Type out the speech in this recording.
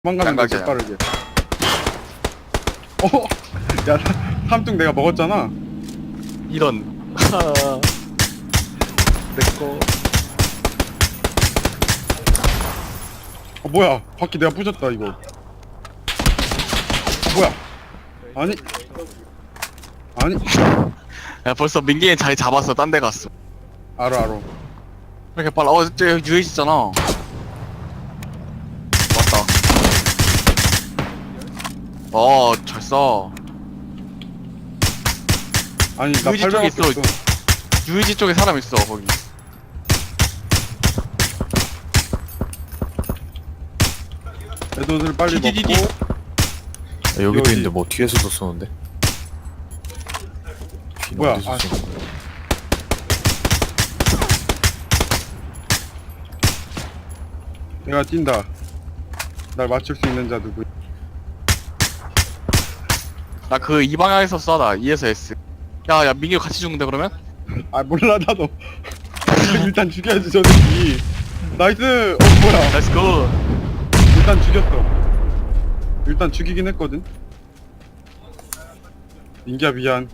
도망가는 거 양각이야. 빠르게. 야, 삼뚱 내가 먹었잖아. 이런. 내꺼. 뭐야? 바퀴 내가 부셨다 이거. 뭐야? 아니. 야, 벌써 민기는 자리 잡았어. 딴 데 갔어. 알아. 왜 이렇게 빨라? 저 여기 유해지 있잖아. 맞다. 잘 써. 아니 나 유지 쪽에 800원 있어. 줬어. 유해지 쪽에 사람 있어, 거기. 애도들 빨리 디디디디. 먹고. 여기도 여기. 있는데 뭐 뒤에서도 쏘는데? 뒤는 뭐야, 어디서 아. 쏘는 거야? 내가 뛴다. 날 맞출 수 있는 자 누구? 나 그 이 방향에서 쏴, 나. E에서 S. 야, 민기 같이 죽는데, 그러면? 아 몰라 나도. 일단 죽여야지 저 새끼. 나이스. 뭐야? Let's go. 일단 죽였어. 일단 죽이긴 했거든. 민기야 미안.